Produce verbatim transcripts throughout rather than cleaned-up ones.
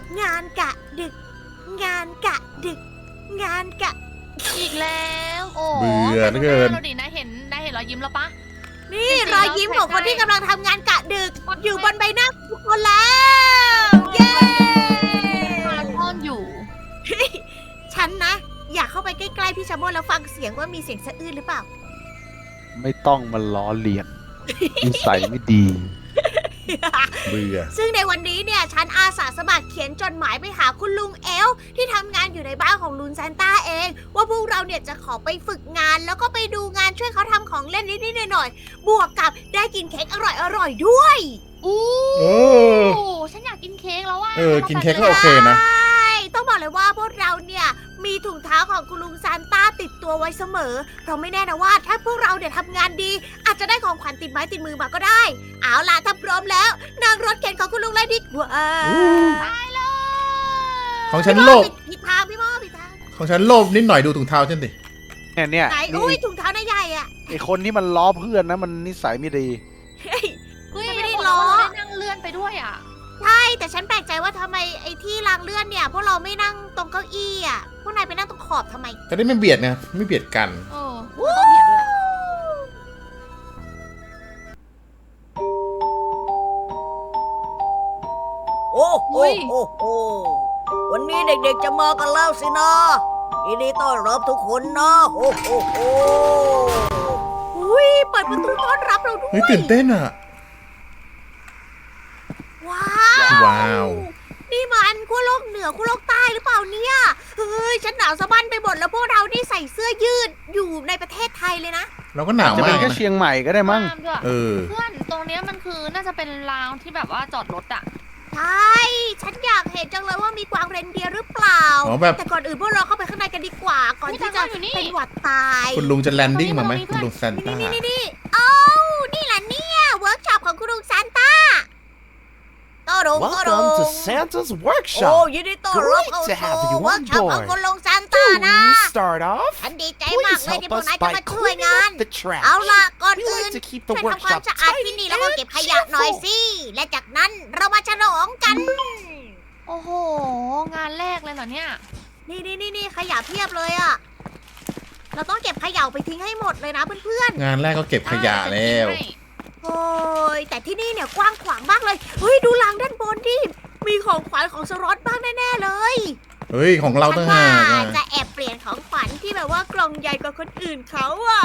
งานกะดึก งานกะดึก งานกะอีกแล้วโอ้เบื่อเหลือเกินเราดินะเห็นนายเห็นรอยยิ้มแล้วปะนี่จริงๆรอยยิ้มของคนแล้วที่กำลังทำงานกะดึกใช่อยู่บนใบหน้าทุกคนแล้ว เย้มาซ่อนอยู่ฉันนะ อยากเข้าไปใกล้ๆพี่ชาโมแล้วฟังเสียงว่ามีเสียงสะอื้นหรือเปล่าไม่ต้องมาล้อเลียน นิสัยไม่ดีเบื่อซึ่งในวันนี้เนี่ยฉันอาสาสมัครเขียนจดหมายไปหาคุณลุงเอลที่ทำงานอยู่ในบ้านของลุงซานต้าเอง ว่าพวกเราเนี่ยจะขอไปฝึกงานแล้วก็ไปดูงานช่วยเขาทำของเล่นนิดๆหน่อยๆบวกกับได้กินเค้กอร่อยๆด้วยอู้เออฉันอยากกินเค้กแล้วอ่ะเออกินเค้กก็โอเคนะใช่ต้องบอกเลยว่าพวกเราเนี่ยมีถุงเท้าของคุณลุงซานต้าติดตัวไว้เสมอเพราะไม่แน่นะว่าถ้าพวกเราเนี่ยทำงานดี อาจจะได้ของขวัญติดไม้ติดมือมาก็ได้ เอาล่ะถ้าพร้อมแล้วนั่งรถเข็นของคุณลุงเลยดีกว่าตายเลยของฉันโลภผิดทางพี่โมผิดทางของฉันโลภนิดหน่อยดูถุงเท้าฉันดิเนี่ยเนี่ยไหนนี่อุ้ยถุงเท้าหน้าใหญ่อะไอคนที่มันล้อเพื่อนนะมันนิสัยไม่ดีเฮ้ยเฮ้ยฉันไม่ได้บอกล้อว่าได้นั่งเลื่อนไปด้วยอ่ะใช่แต่ฉันแปลกใจว่าทำไมไอ้ที่รางเลื่อนเนี่ยพวกเราไม่นั่งตรงเก้าอี้อะพวกนายไปนั่งตรงขอบทำไมจะได้ไม่เบียดไงไม่เบียดกันเออมันต้องเบียดด้วยอะโอ้โหโอ้โหวันนี้เด็กๆจะมากันแล้วสินะยินดีต้อนรับทุกคนนะโอ้โหโอ้อุ้ยเปิดประตูต้อนรับเราด้วยเฮ้ยตื่นเต้นอ่ะว้าวว้าวนี่มันขั้วโลกเหนือขั้วโลกใต้หรือเปล่าเนี่ยเฮ้ยฉันหนาวสะบั้นไปหมดแล้วพวกเรานี่ใส่เสื้อยืดอยู่ในประเทศไทยเลยนะเราก็หนาวจะมาเป็นกแค่นะเชียงใหม่ก็ได้มั้งห้ามด้วยเออเพื่อนตรงเนี้ยมันคือน่าจะเป็นราวที่แบบว่าจอดรถอ่ะใช่ ฉันอยากเห็นจังเลยว่ามีกวางเรนเดียร์หรือเปล่าอ๋อแบบแต่ก่อนอื่นพวกเราเข้าไปข้างในกันดีกว่า ก่อนที่จะเป็นหวัดตายคุณลุงจะแลนดิ้งมาไหมคุณลุงซานต้านี่นี่นี่เอ้านี่แหละเนี่ยเวิร์กช็อปของคุณลุงซานต้าโตรุงโตรุง Welcome to Santa's โอ้ workshop. ยินดีต้อนรับเข้า Great to have you สู่เวิร์ก on ช็อปของ board. คุณลุงซานต้านะ To start off, ฉันดีใจมาก please เลยที่ help พวก us นายจะ by มาช่วย cleaning งาน up the trash. เอาล่ะก่อน We อื่น like to keep ช่ว the ยทำความ workshop สะอาดที่ tidy นี่แล้วก็ and เก็บขยะหน่อย cheerful. สิ และจากนั้นเรามาฉลองกันโอ้โห งานแรกเลยเหรอเนี่ยนี่นี่นี่นี่ขยะเพียบเลยอะเราต้องเก็บขยะไปทิ้งให้หมดเลยนะเพื่อนงานแรกก็เก็บขยะแล้วๆ โอ้ยแต่ที่นี่เนี่ยกว้างขวางมากเลย เฮ้ยดูรางด้านบนดิ มีของขวัญของสรอตบ้างแน่ๆเลยเฮ้ยของเราฉัตั้งว่าหากอะจะแอบเปลี่ยนของขวัญที่แบบว่ากล่องใหญ่กว่าคนอื่นเขาอะ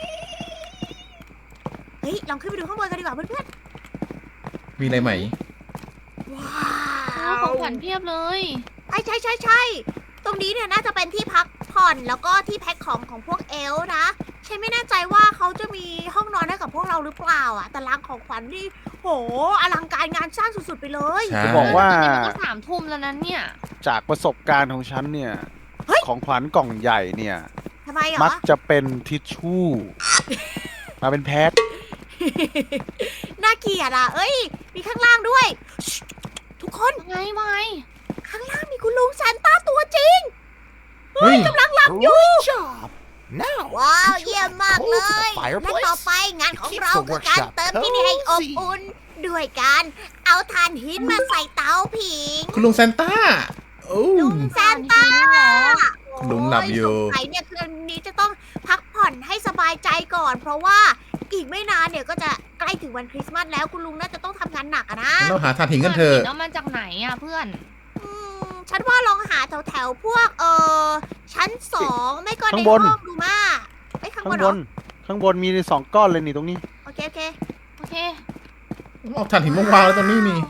เฮ้ยลองขึ้นไปดูข้างบนกันดีกว่าเพื่อนมีอะไรไหมๆ ว้าอ้าววของขวัญเพียบเลยใช่ใช่ใช่ใช่ตรงนี้เนี่ยน่าจะเป็นที่พักผ่อนแล้วก็ที่แพ็คของของพวกเอลฟ์นะฉันไม่แน่ใจว่าเขาจะมีห้องนอนให้กับพวกเราหรือเปล่าอ่ะแต่รางของขวัญนี่โหอลังการงานสร้างสุดๆไปเลยใช่จะบอกว่าตอนนี้มันก็สามทุ่มแล้วนั้นเนี่ยจากประสบการณ์ของฉันเนี่ยเฮ้ยของขวัญกล่องใหญ่เนี่ยทำไมเหรมัอกจะเป็นทิชชู่ มาเป็นแพ็คน่าเกลียดอ่ะเอ้ย มีข้างล่างด้วยชิทุกคนไงไงข้างล่างมีคุณลุงซานต้าตัวจริงเฮ้ยกำลังหลับอยู่ Great job. Now, ว้าว could you เยี่ยม add มาก coal เล to the ย และต่อ fireplace? ไปงานของ Keep เรา the คือการ workshop เติมที่นี่ให้อบ cozy อุ่น ด้วยการเอาถ่านหินมาใส่เตาผิงคุณลุงซานต้าโอ้ลุงซานต้าคุณลุงหลับอยู่โสงสัยเนี่ยคืนนี้จะต้องพักผ่อนให้สบายใจก่อน เพราะว่าอีกไม่นานเนี่ยก็จะใกล้ถึงวันคริสต์มาสแล้วคุณลุงน่าจะต้องทำงานหนักอะนะเราหาทานหินกันเถอะเอามาจากไหนอ่ะเพื่อนอืมฉันว่าลองหาแถวแถวๆพวกเออชั้นสองไม่ก็ในข้างห้บอน งดูมาไอ้ยข้างบข้างนเหบรอนข้างบนมีสองก้อนเลยนี่ตรงนี้โอเคโอเคโอเคเอาทานหินมาวางแล้วตรงนี้นี่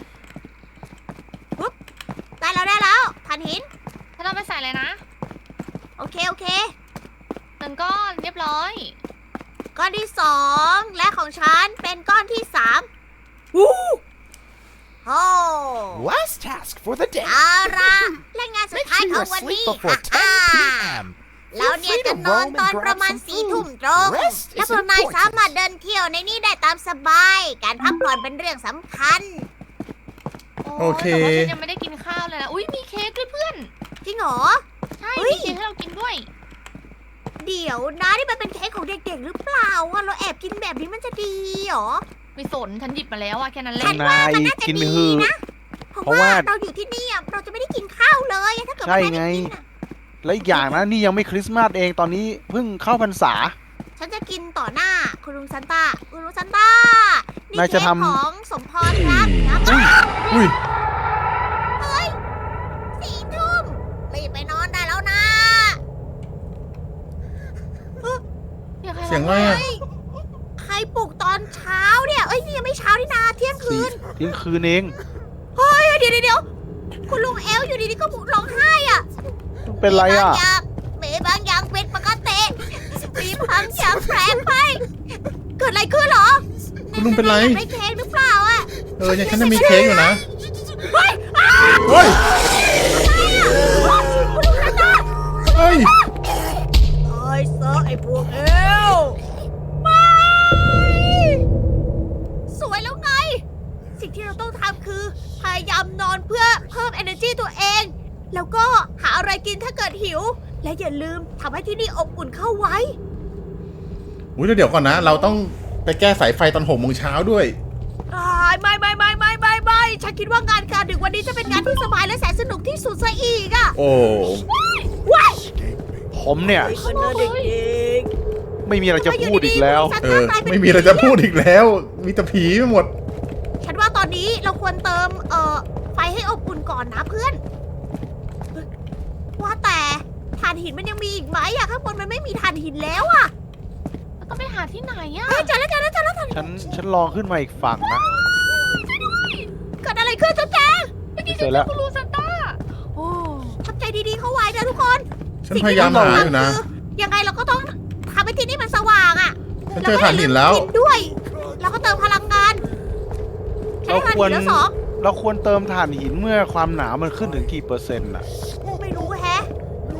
ได้แล้วได้แล้วถ่านหินถ้าเราไปใส่เลยนะโอเคโอเคหนึ่งก้อนเรียบร้อยก้อนที่สองและของฉันเป็นก้อนที่สามวู้โอ้ Last task for the day. เอาละและงานสุด Make ท้าย sure ขอ you're งวัน asleep นี้ before ฮ่า ten ฮ่า p.m. เราเนี่ยจะนอนตอนประมาณสี่ทุ่มตรง Rest และ is พวกนายสามารถ important. เดินเที่ยวในนี้ได้ตามสบาย การพักผ่อนเป็นเรื่องสำคัญโอเคแต่ว่าฉันยังไม่ได้กินข้าวเลยนะ อุ้ยมีเค้กด้วยเพื่อนจริงเหรอใช่เฮ้ยมีเค้กให้เรากินด้วยเดี๋ยวนะนี่มันเป็นเค้กของเด็กๆหรือเปล่าอะเราแอบกินแบบนี้มันจะดีเหรอไม่สนฉันหยิบมาแล้วอะแค่นั้นแหละฉันว่ามันน่าจะกินดีหือนะ เพราะเพราะว่าว่าเราอยู่ที่นี่อะเราจะไม่ได้กิดใช่ว่าด้ไงกินน่ะและอีกอย่างนะนี่ยังไม่คริสต์มาสเองตอนนี้เพิ่งเข้าพรรษาฉันจะกินต่อหน้าคุณลุงซันต้าคุณลุงซันต้านี่นายจะเค้กทำของสมพรครับครับอุ้ยเฮ้ยสี่ทุ่มรีบไปนอนได้แล้วนะเสียงอะไรอะเฮ้ยใครปลุกตอนเช้าเนี่ยเอ้ยนี่ยังไม่เช้านี่นาเที่ยงคืสี่นเที่ยงคืนเองเฮ้ยเดี๋ยวเดี๋ยวเดี๋ยวคุณลุงเอลอยู่ดีๆก็ร้องไห้อ่ะเป็นไรอ่ะมีบางอย่างมีบางอย่างเป็นปกติมีบางอย่างแปลกไปเกิดอะไรขึ้นเหรอคุณลุงเป็นไรอยากได้เค้กหรือเปล่าอ่ะเออยังฉันจะมีเค้กอยู่นะเฮ้ยอ้าวเฮ้ยคุณลุงซันต้าเฮ้ยเอ้ยเซอร์ไอ้พวกเอลไม่สวยแล้วไง สิ่งที่เราต้องทำคือ พยายามนอนเพื่อเพิ่ม energy ตัวเอง แล้วก็หาอะไรกินถ้าเกิดหิว และอย่าลืมทำให้ที่นี่อบอุ่นเข้าไว้อุ้ยแล้วเดี๋ยวก่อนนะ เราต้องไปแก้สายไฟตอนหกโมงเช้าด้วยอ่าไม่ไม่ไม่ไม่ไม่ไม่ฉันคิดว่างานการดึกวันนี้จะเป็นงานที่สบายและแสนสนุกที่สุดซะอีกอะโอ้ว้ายผมเนี่ยคนเด็กไม่มีอะไรจะพูดอีกแล้วเออ ไม่มีอะไรจะพูดอีกแล้ว มีแต่ผีไปหมดฉันว่าตอนนี้เราควรเติมเอ่อไฟให้อบอุ่นก่อนนะเพื่อน ว่าแต่ถ่านหินมันยังมีอีกไหมอะข้างบนมันไม่มีถ่านหินแล้วอะแล้วต้องไปหาที่ไหนอะเฮ้ยเจอแล้วเจอแล้วเจอแล้วฉันฉันลองขึ้นมาอีกฝั่งนะเกิดอะไรขึ้นเจ้าแจงเจอแล้วคุณลุงซันต้าโอ้ทำใจดีๆเข้าไว้นะทุกคนฉันพยายามหาอยู่นะยังไงเราก็ต้องทำให้ที่นี่มันสว่างอะฉันเจอถ่านหินแล้วกินด้วย แล้วก็เติมพลังงานใช้เราถ่านควหิรนแล้วสองเราควรเติมถ่านหินเมื่อความหนาวมันขึ้นถึงกี่เปอร์เซ็นต์อ่ะไม่รู้แฮะ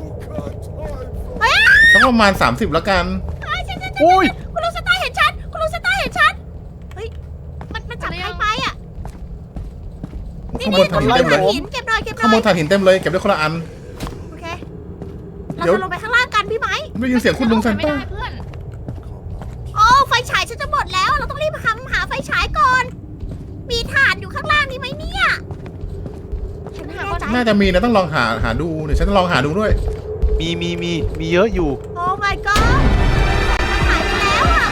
สักประมาณ สามสิบแล้วกันอุ้ยคุณลุงสตาร์เห็นฉัน คุณลุงสตาร์เห็นฉัน เฮ้ย มันมันจับใครไปอ่ะ นี่ข้างบนี่นตรถ่านงหินนี้เต็มเลยถ่านหินเก็บหน่อยเก็บหน่ข้างบอน ยถ่านหินเต็มเลย เก็บได้คนละอันโอเค เราเดี๋ยวจะลงไปข้างล่างกันพี่ไหมได้ยินเสียงคุณลุงซันไม่ต้าได้เพื่อนโอ้ไฟฉายฉันจะหมดแล้ว เราต้องรีบหาหาไฟฉายก่อน มีถ่านอยู่ข้างล่างนี่ไหมเนี่ย ฉันไม่แน่ใจน่าจะมีนะต้องลองหาหาดู เดี๋ยวฉันจะลองหาดูด้วยมีมีมีมีเยอะอยู่โอ้ my god มันหายไปแล้วอ่ะ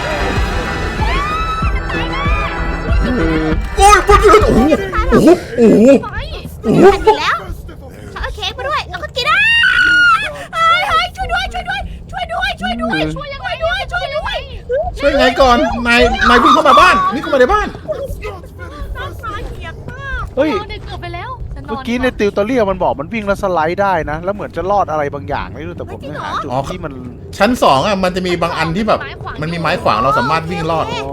โอ้ยปุ๊บเลยโอ้โหโอ้โหโอ้โหไปโอ้โหมันอยู่แล้วฉันเอาเค้กมาด้วย แล้วก็กินอ่ะเฮ้ยเฮ้ยช่วยด้วย ช่วยด้วย ช่วยด้วย ช่วยด้วย ช่วยยังไงด้วย ช่วยด้วยช่วยไงก่อน นาย นายวิ่งเข้ามาบ้าน นี่เข้ามาในบ้านน่าสาเกียดมากเฮ้ยนอนเด็กเกือบไปแล้วฉันนเมื่ออน กี้ในติวตอเรียมันบอกมันวิ่งแล้วสไลด์ได้นะ แล้วเหมือนจะรอดอะไรบางอย่างไม่รู้แต่ผมยังหาจุดอ๋อที่มันชั้นสองอ่ะ มันจะมีบางอันที่แบบ มันมีไม้ขวางเราสามารถวิ่งรอดอ๋อ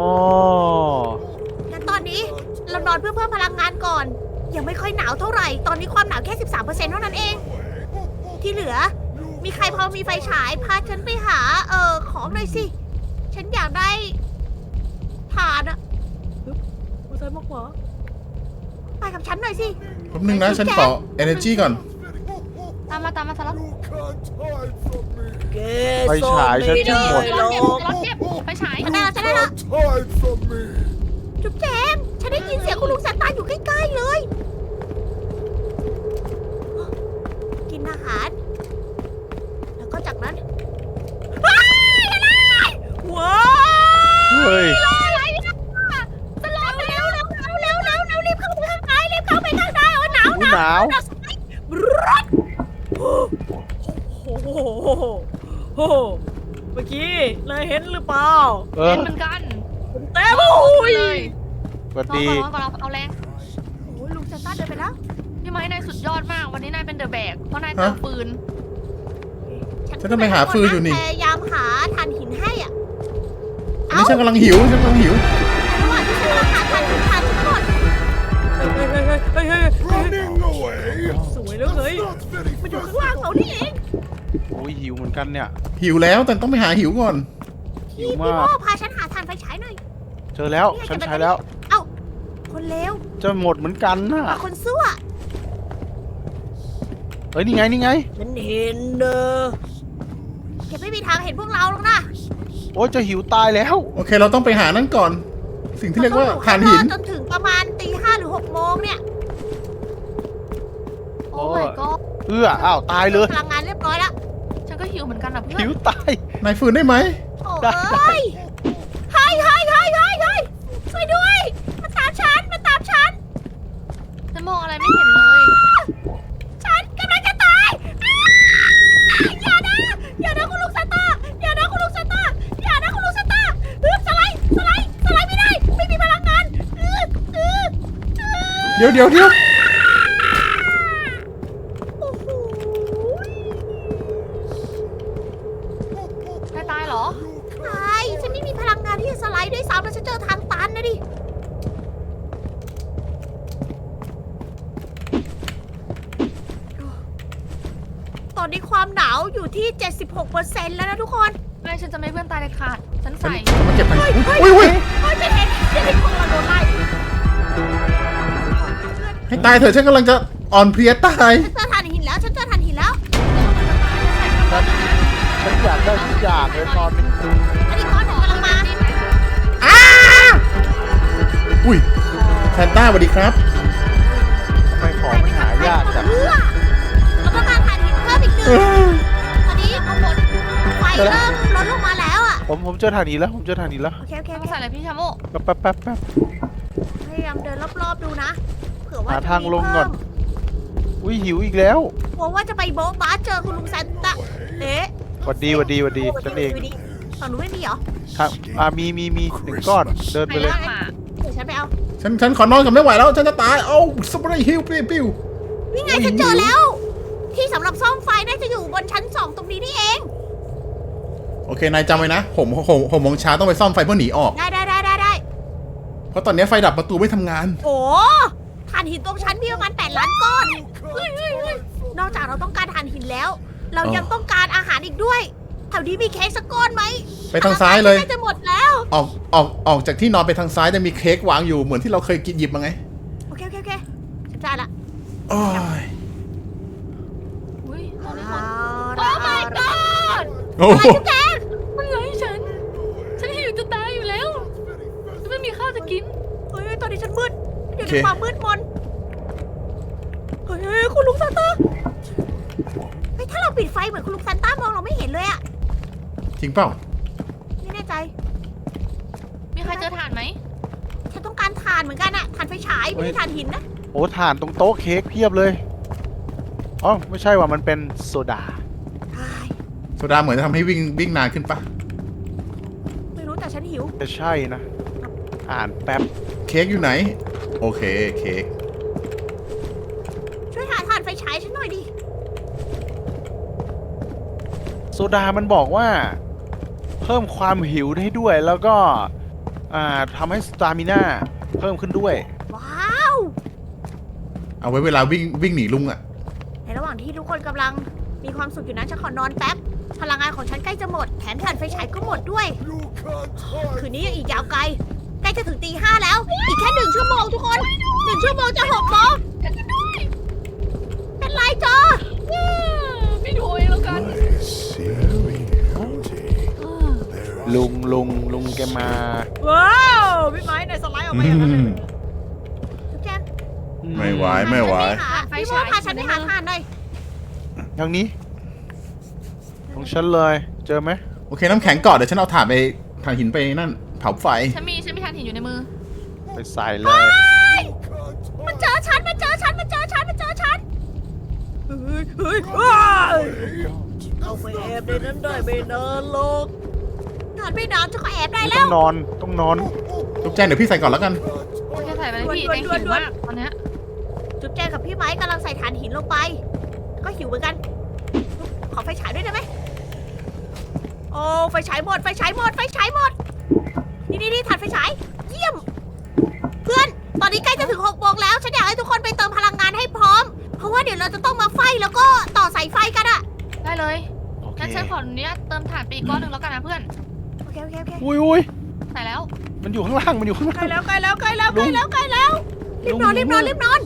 งั้นตอนนี้เรานอนเพื่อเพิ่มพลังงานก่อน ยังไม่ค่อยหนาวเท่าไหร่ ตอนนี้ความหนาวแค่ สิบสามเปอร์เซ็นต์ เท่านั้นเอง ที่เหลือ มีใครพอมีไฟฉาย พาฉันไปหา เอ่อ ของหน่อยสิ ฉันอยากได้ถ่านอะปึ๊บมาซ้ายมาขวาไปกับฉันหน่อยสิแป๊บนึงนะ ฉันขอ energy ก่อนตามมาตามมาสลับไฟฉายฉันจะหมดสลับเก็บสลับเก็บไปฉายฉันได้แล้วฉันได้แล้วจุ๊บแจงฉันได้ยินเสียงคุณลุงซานต้าอยู่ใกล้ๆเลย กินอาหาร แล้วก็จากนั้นว้ายอะไรว้าวเฮ้ยอะไรเนี่ยสลบเร็วเร็วเร็วเร็วเร็วเร็วรีบเข้าไปข้างในรีบเข้าไปข้างในโอ้หนาวอุ๊ยหนาวหนาวสุดบรัดโอ้โหโอ้โหเมื่อกี้นายเห็นหรือเปล่าเอเล่อนเหมือนกันเต้โอ้ยเลยสวัสรอดีก่อนรอก่อนเอาแรงโอ้ยลุงซานต้าเดินไปแล้วพี่ไม้นายสุดยอดมาก วันนี้นายเป็นเดอะแบก เพราะนายเติมปืนฉันจะไปหาฟืนอยู่นี่พยายามหาถ่านหินให้อ่ะอันนี้ฉันกำลังหิว ฉันกำลังหิวระหว่างที่ฉันกำลังหาถ่านหินถ่านทุกคนเฮ้ยเฮ้ยเฮ้ยเฮ้ยเฮ้ย Running away. สวยแล้วเฮ้ย มันอยู่ข้างล่างเรานี่เองโอ้ยหิวเหมือนกันเนี่ยหิวแล้ว แต่ต้องไปหาหิวก่อนหิวพี่มากโม่พาฉันหาถ่านไฟฉายหน่อยเจอแล้ว ฉันใช้แล้วเอ้า คนเลวจะหมดเหมือนกันน่ะกับคนซั่วเฮ้ยนี่ไงนี่ไงฉันเห็นเนอะแกไม่มีทางเห็นพวกเราหรอกนะโอ้ยจะหิวตายแล้วโอเค เราต้องไปหานั่นก่อน สิ่งที่เรียกว่าถ่านหินจนถึงประมาณตีห้าหรือหกโมงเนี่ยโอ้ my god เอื้ออ้าวตายเลยพลังงานเรียบร้อยแล้วฉันก็หิวเหมือนกันนะเพื่อนหิวตายนายฟื้นได้ไหมโอ้เอ้ยเฮ้ยเฮ้ยเฮ้ยเฮ้ยเฮ้ยช่วยด้วยมาตามฉันมาตามฉันฉันมองอะไรไม่เห็นเลยฉันกำลังจะตายอ้าอย่านะอย่านะคุณลุงซานต้าอย่านะคุณลุงซานต้าอย่านะคุณลุงซานต้าเออสไลด์สไลด์สไลด์ไม่ได้ไม่มีพลังงานเออเออเออเดี๋ยวเดี๋ยวเดี๋ยวโอ้โหใครตายเหรอตายฉันไม่มีพลังงานที่จะสไลด์ด้วยซ้ำแล้วฉันเจอทางตันนะดิตอนนี้ความหนาวอยู่ที่ เจ็ดสิบหกเปอร์เซ็นต์ แล้วนะทุกคนไม่ฉันจะไม่ให้เพื่อนตายเลยขาด ฉันฉันใส่ฉันมาเก็บทันเฮ้ยเฮ้ยอุ้ยอุ้ยเฮ้ยฉันเห็นฉันเห็นคนเราโดนไล่ให้ตายเถอะฉันกำลังจะอ่อนเพลียตายฉันเจอถ่านหินแล้วฉันเจอถ่านหินแล้วฉันอยากได้ทุกอย่างเลยนอนเป็นอันนี้ก้อนหนึ่งกำลังมาอุ้ยแซนต้าสวัสดีครับทำไมของมันหายากจังเพื่อเราต้องการถ่านหินเพิ่มอีกหนึ่งตอนนี้เอาหมดไฟเริ่มลดลงมาแล้วอ่ะผมผมเจอทางนี้แล้วผมเจอทางนี้แล้วโอเคโอเคโอมาเคใส่อะไรพี่ชาโมแป๊บแป๊บแป๊บแป๊บพยายามเดินรอบๆดูนะเผื่อว่าหาจะทางมีลงเพิ่ก่อนมอุ้ยหิวอีกแล้วกลัวว่าจะไปโบ๊ะบ้าเจอคุณลุงแซนต้าเอ๊ะหวัดดีหวัดดีหวัดดีฉันเองฝั่งหนูไม่มีเหรอทางอ่ามีมีมีหนึ่งก้อนเดินใครไปเลยลากมาเดี๋ยวฉันไปเอาฉันฉันขอนอนกันไม่ไหวแล้ว ฉันจะตาย เอ้าสปรย์ฮิลปิ้วปิ้วนี่ไงฉันเจอแล้ว ที่สำหรับซ่อมไฟน่าจะอยู่บนชั้นสองตรงนี้นี่เองโอเคนายจำไว้นะผมผมผมโมงเช้าต้องไปซ่อมไฟเพื่อหนีออกได้ได้ได้ได้ได้เพราะตอนนี้ไฟดับประตูไม่ทำงานโอ้ถ่านหินตรงชั้นมีประมาณแปดล้านก้อนเฮ้ยเฮ้ยเฮ้ยนอกจากเราต้องการถ่านหินแล้ว เราอ๋อยังต้องการอาหารอีกด้วยแถวนี้มีเค้กสักก้อนไหมไปทางซ้ายเลยน่าจะหมดแล้วออกออกออกจากที่นอนไปทางซ้ายจะมีเค้กวางอยู่เหมือนที่เราเคยกินหยิบมาไงโอเคโอเคโอเคฉันจ่ายละโอ้ยอุ้ยตอนนี้คนโอ้โอ้ my god โอ้อะไรโหจุ๊บแจงมันไล่ฉัน ฉันหิวจะตายอยู่แล้วฉันไม่มีข้าวจะกินเฮ้ยตอนนี้ฉันมืดอยู่ในความมืดมนเฮ้ยเฮ้ยคุณลุงซานต้าเฮ้ยถ้าเราปิดไฟเหมือนคุณลุงซานต้ามองเราไม่เห็นเลยอะจริงเปล่าไม่แน่ใจมีใครเจอถ่านไหมฉันต้องการถ่านเหมือนกันอะถ่านไฟฉายไม่ใช่ถ่านหินนะโอ้ถ่านตรงโต๊ะเค้กเพียบเลยอ๋อไม่ใช่ว่ามันเป็นโซดาใช่โซดาเหมือนจะทำให้วิ่งวิ่งนานขึ้นปะไม่รู้แต่ฉันหิวจะใช่นะ อ่านแป๊บเค้กอยู่ไหน โอเคเค้กช่วยหาถ่านไฟฉายฉันหน่อยดิโซดามันบอกว่า เพิ่มความหิวได้ด้วย แล้วก็อ่าทำให้สตามิน่าเพิ่มขึ้นด้วยว้าวเอาไว้เวลาวิ่งวิ่งหนีลุงอะในระหว่างที่ทุกคนกำลังมีความสุขอยู่นั้นฉันขอนอนแป๊บ พลังงานของฉันใกล้จะหมด แถมถ่านไฟฉายก็หมดด้วย คืนนี้ยังอีกยาวไกล ใกล้จะถึงตีห้าแล้ว อีกแค่หนึ่งชั่วโมงทุกคนหนึ่งชั่วโมงจะหกโมงเป็นไรจอไม่ดูเองแล้วกันลุงลุงลุงแกมาว้าวพี่ไม้ในสไลด์ออกมาอย่างนั้นเลยทุกแจงไม่ไหวไม่ไหวพี่โมพาฉันไปหาถ่านหน่อยทางนี้ของฉันเลย เจอไหมโอเคน้ำแข็งก่อนเดี๋ยวฉันเอาถ่านไปถ่านหินไปนั่นเผาไฟฉันมีฉันมีถ่านหินอยู่ในมือไปใส่เลยมันเจอฉัน มันเจอฉัน มันเจอฉัน มันเจอฉัน เฮ้ย เฮ้ยว้ายเอาไปแอบในนั้นได้ไม่นานหรอกนานไม่นานจะก็แอบได้ไม่แล้ต้อวงนอนต้องนอนลูกแจ้งเดี๋ยวพี่ใส่ก่อนแล้วกันโอเคใส่ไปเลยพี่ด่วนแจงด่วนหิวด่วนมากตอนเนี้ยจุ๊บแจงกับพี่ไม้กำลังใส่ถ่านหินลงไป ก็หิวเหมือนกัน ขอไฟฉายด้วยได้ไหมโอ้ไฟฉายหมด ไฟฉายหมด ไฟฉายหมด นี่นี่นี่ถ่านไฟฉาย เยี่ยม เพื่อน ตอนนี้ใกล้จะถึงหกโมงแล้ว ฉันอยากให้ทุกคนไปเติมพลังงานให้พร้อม เพราะว่าเดี๋ยวเราจะต้องมาไฟแล้วก็ต่อสายไฟกันอะได้เลยโอเคงั้นฉันขออนุญาตเติมถ่านไปอีกก้อนหนึ่งแล้วกันนะเพื่อนโอเคโอเคโอเคอุ้ยอุ้ยใส่แล้วมันอยู่ข้างล่างมันอยู่ข้างใกล่าล้งแล้วใกล้แล้วใกล้แล้วใกล้แล้วใกล้แล้ว รีบนอนรีบนอนรีบนอน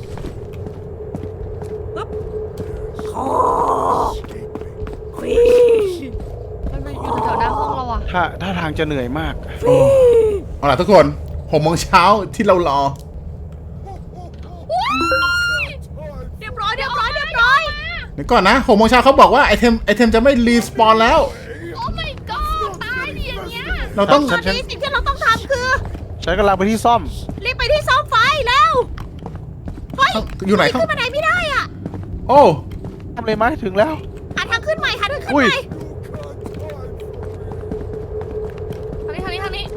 ปึ๊บโอ้ฟีมันมาอยู่แถวๆหน้าห้องเราอะถ้าถ้าทางจะเหนื่อยมากโอ้เอาล่ะทุกคนหกโมงเช้าที่เรารอเรียบร้อยเรียบร้อยเรียบร้อยเดี๋ยวก่อนนะหกโมงเช้าเขาบอกว่าไอเทมไอเทมจะไม่รีสปอนแล้วโอ้ my god ตายดิอย่างเงี้ยเราต้องตอนนี้สิ่งที่เราต้องทำคือฉันกำลังไปที่ซ่อมรีบไปที่ซ่อมไฟแล้วเฮ้ยอยู่ไหนขึ้เขานบันไดไม่ได้อ่ะโอ้ทำเลยไหมถึงแล้วหาทางขึ้นใหม่หาทางขึ้นอุ้ยใหม่ทางนี้ทางนี้ทางนี้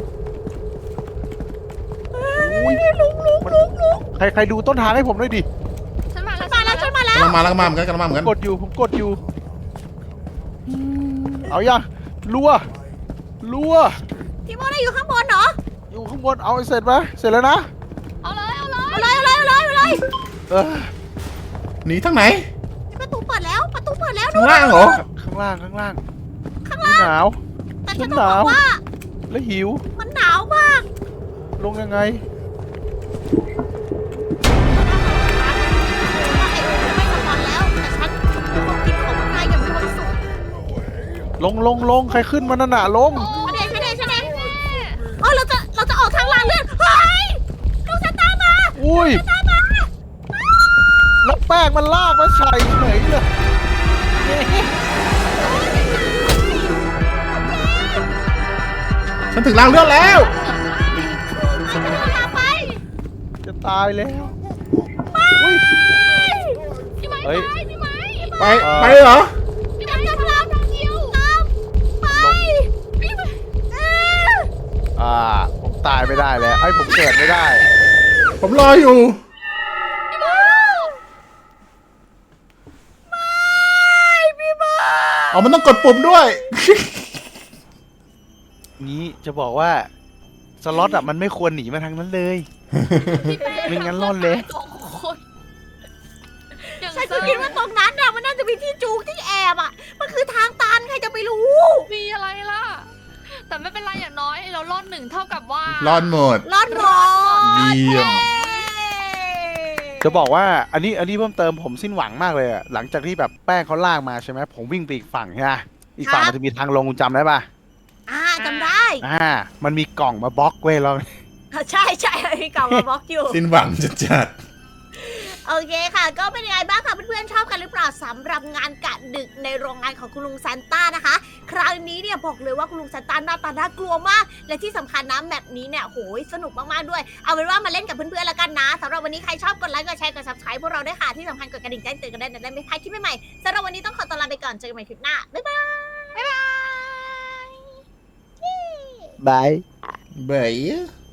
อุ้ยลุงลุงลุงลุงใครใครดูต้นทางให้ผมด้วยดิฉันมาแล้วมาแล้วฉันมาแล้วกำลังมาแล้วกำลังมาเหมือนกันกำลังมาเหมือนกันกดอยู่ผมกดอยู่ เอายังรัวรัวทีโมได้อยู่ข้างบนเหรออยู่ข้างบนเอาให้เสร็จไหมเสร็จแล้วนะเอาเลยเอาเลยเอาเลยเอาเลยเอาเลยเอาเลยเออหนีทางไหนประตูเปิดแล้วประตูเปิดแล้วข้างล่างเหรอข้างล่างข้างล่างข้างล่างหนาวแต่ฉัฉันนต้องหบนาอวกว่าและหิวมันหนาวมากลงยังไงว่าไอ้ไม่สปอนแล้วแต่ฉันคงกินของมันได้อย่างมีความสุขลงลงลงใครขึ้นมานั่นน่ะลงฉันเองฉันเองฉันเองอ๋อเราจะเราจะออกทางลางเลื่อนเฮ้ยลูกฉันตามมาอุ้ยตามมาแล้วแป้งมันลากมาใส่เฉยเลยฉันถึงรางเลือดแล้วฉันจะพาไปจะตายแล้วอุ้ยพี่ไม้เฮ้ยตายพี่ไม้ไปไปเลยเหรอพี่ไม้จะพลังทางเดียวตามไปพี่ไม้เอออ่าผมตายไม่ได้แล้วไอ้ยผมเกิดไม่ได้ผมรออยู่พี่ไม้พี่บ้าอ๋อมันต้องกดปุ่มด้วยนี้จะบอกว่าสล็อตอ่ะมันไม่ควรหนีมาทางนั้นเลยพี่แป้ไม่งั้นรอดเลยสองคนอย่างฉันเซอก็ร์คิดว่าตรงนั้นน่ะมันน่าจะมีที่จูงที่แอบอ่ะ มันคือทางตันใครจะไปรู้มีอะไรล่ะ แต่ไม่เป็นไรอย่างน้อยเรารอดหนึ่งเท่ากับว่ารอดหมดรอดหมดเยี่ยมจะบอกว่าอันนี้อันนี้เพิ่มเติมผมสิ้นหวังมากเลยอะหลังจากที่แบบแป้งเขาลากมาใช่ไหมผมวิ่งไปอีกฝั่งใช่ไหมอีกฝั่งมันจะมีทางลงคุณจำได้ปะอ่าจำได้อ่ามันมีกล่องมาบล็อกเว้ยเราใช่ใช่มีกล่องมาบล็อกอยู่สิ้นหวังจัดจัดโอเคค่ะ ก็เป็นยังไงบ้างคะเพื่อนๆชอบกันหรือเปล่าสำหรับงานกะดึกในโรงงานของคุณลุงซานต้านะคะ ครั้งนี้เนี่ยบอกเลยว่าคุณลุงซานต้าหน้าตาน่ากลัวมาก และที่สำคัญนะแมปนี้เนี่ยโหยสนุกมากๆด้วย เอาเป็นว่ามาเล่นกับเพื่อนๆแล้วกันนะสำหรับวันนี้ใครชอบกดไลค์กดแชร์กด ซับสไครบ์ พวกเราด้วยค่ะที่สำคัญกดกระดิ่งแจ้งเตือนกันได้จะได้ไม่พลาดคลิปใหม่ๆสำหรับวันนี้ต้องขอตัวลาไปก่อนเจอกันใหม่คลิปหน้าบ๊ายบายบ๊ายบายบายๆเบย